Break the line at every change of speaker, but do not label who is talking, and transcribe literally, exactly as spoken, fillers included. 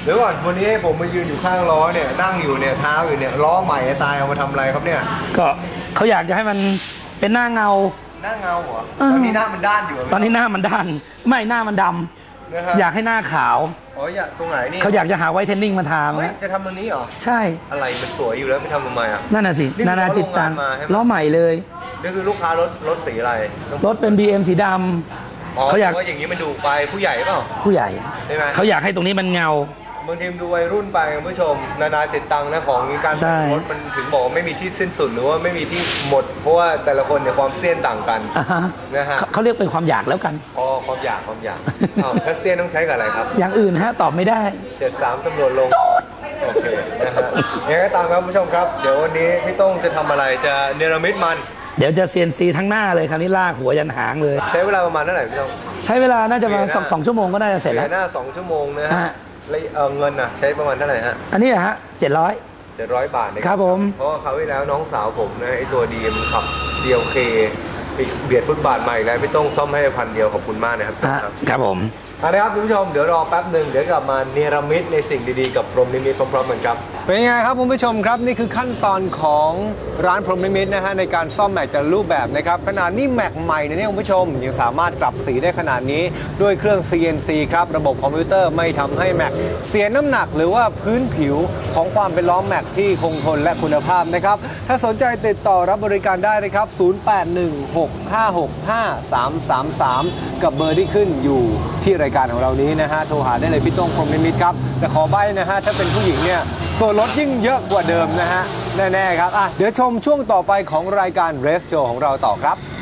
เดี๋ยวก่อนวันนี้ผมมายืนอยู่ข้างล้อเนี่ยนั่งอยู่เนี่ยเท้าอยู่เนี่ยล้อใหม่ตายเอามาทำอะไรครับเนี่ย
ก็เขาอยากจะให้มันเป็นหน้าเงา
หน้าเงาเหรอตอนนี้หน้ามันด้านอยู่
ตอนนี้หน้ามันด้านไม่หน้ามันดำอยากให้หน้าขาว
อ๋ออยากตรงไหนนี่
เขาอยากจะหาไวท์เทนนิ่งมาทานะ
จะทำตรงนี้เหรอ
ใช่
อะไรมันสวยอยู่แล้วไม่ทำทำไมอ่ะ
นั่นน่ะสินานาจิตตังล้อใหม่เลย
นี่คือลูกค้ารถรถสีอะไร
รถเป็น บี เอ็ม สีดำ
เขาอยากว่าอย่างนี้มันดูไปผู้ใหญ่เปล่า
ผู้ใหญ่
ใช่ไหม
เขาอยากให้ตรงนี้มันเงา
บางทีมดูวัยรุ่นไปคุณผู้ชมนานาจิตตังนะของการแต่งรถมันถึงบอกไม่มีที่สิ้นสุดหรือว่าไม่มีที่หมดเพราะว่าแต่ละคนเนี่ยความเซียนต่างกันนะฮะ
เขาเรียกเป็นความอยากแล้วกัน
อ๋อความอยากความอยากถ้าเซียนต้องใช้กับอะไรครับ
อย่างอื่นฮะตอบไม่ได้
เจ็ดสามตำรวจลงโอเคนะฮะยังไงก็ตามครับคุณผู้ชมครับเดี๋ยววันนี้พี่ต้องจะทำอะไรจะเนรมิตมัน
เดี๋ยวจะเซียนซีทั้งหน้าเลยคราวนี้ลากหัวยันหางเลย
ใช้เวลาประมาณเท่าไหร่พี่ต้อง
ใช้เวลาน่าจะประมาณสองสองชั่วโมงก็น่าจะเสร็จแล้ว
หน้าสองชั่วโมงนะฮะแล้วเงินอ่ะใช้ประมาณเท่าไหร่ฮะ
อันนี้ฮะเจ็ดร้อย
เจ็ดร้อยบาท
ครับผม
เพราะว่าเขาที่แล้วน้องสาวผมนะไอตัวดีมันขับ ซี แอล เค ไปเบียดฟุตบาทใหม่แล้วไม่ต้องซ่อมให้พันเดียวขอบคุณมากนะครับ
ครับผม
เอาละครับคุณผู้ชมเดี๋ยวรอแป๊บหนึ่งเดี๋ยวกลับมาเนรมิตในสิ่งดีๆกับพรหมนิมิตพร้อมๆกันครับเป็นยังไงครับคุณผู้ชมครับนี่คือขั้นตอนของร้านพรหมนิมิตนะฮะในการซ่อมแม็กจากรูปแบบนะครับขนาดนี้แม็กใหม่นะเนี่ยคุณผู้ชมยังสามารถกลับสีได้ขนาดนี้ด้วยเครื่อง ซี เอ็น ซี ครับระบบคอมพิวเตอร์ไม่ทำให้แม็กเสียน้ำหนักหรือว่าพื้นผิวของความเป็นล้อแม็กที่คงทนและคุณภาพนะครับถ้าสนใจติดต่อรับบริการได้นะครับศูนย์ แปด หนึ่ง หก ห้า หก ห้า สาม สาม สามกับเบอร์ที่ขึ้นอยู่ที่รายการของเรานี้นะฮะโทรหาได้เลยพี่ต้องพรหมนิมิตครับแต่ขอใบ้นะฮะถ้าเป็นผู้หญิงเนี่ยส่วนลดยิ่งเยอะกว่าเดิมนะฮะแน่ๆครับอ่ะเดี๋ยวชมช่วงต่อไปของรายการ Race Show ของเราต่อครับ